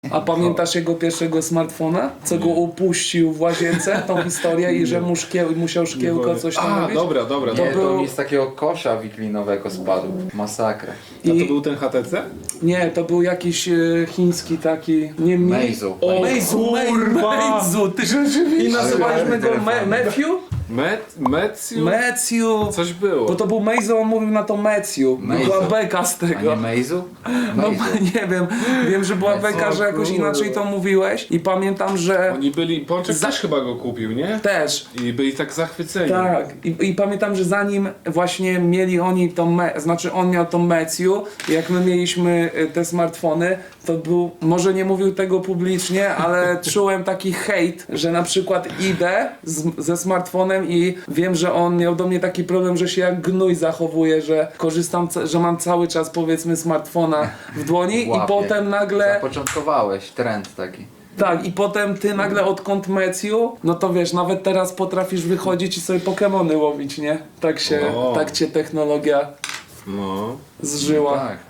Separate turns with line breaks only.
A pamiętasz jego pierwszego smartfona? Co go upuścił w łazience, tą historię i że mu musiał szkiełko coś tam
A,
robić?
dobra.
Nie,
był-
to mi z takiego kosza wiklinowego spadł. Masakra.
A to
I
był ten HTC?
nie, to był jakiś chiński taki... Nie,
Meizu.
O,
Meizu,
kurwa!
Meizu, ty rzeczywiście. I nazywaliśmy go Matthew?
Meciu?
Matthew.
Coś było.
Bo to był Meizu, on mówił na to Matthew.
Meizu.
Była beka z
A nie
tego.
Meizu?
No
Meizu.
nie wiem, wiem, że była beka, że jakoś inaczej to mówiłeś i pamiętam, że
Oni byli, Pączek też chyba go kupił, nie?
też.
I byli tak zachwyceni.
Tak, i pamiętam, że zanim właśnie mieli oni tą, znaczy on miał tą Meciu, jak my mieliśmy te smartfony, to był, może nie mówił tego publicznie, ale czułem taki hejt, że na przykład idę ze smartfonem i wiem, że on miał do mnie taki problem, że się jak gnój zachowuje, że korzystam, że mam cały czas powiedzmy smartfona w dłoni i
Łapie.
potem nagle...
Zapoczątkowałeś trend taki.
Tak, i potem ty nagle odkąd Meciu, no to wiesz, nawet teraz potrafisz wychodzić i sobie Pokemony łowić, nie? Tak cię technologia
No.
zżyła.
Tak.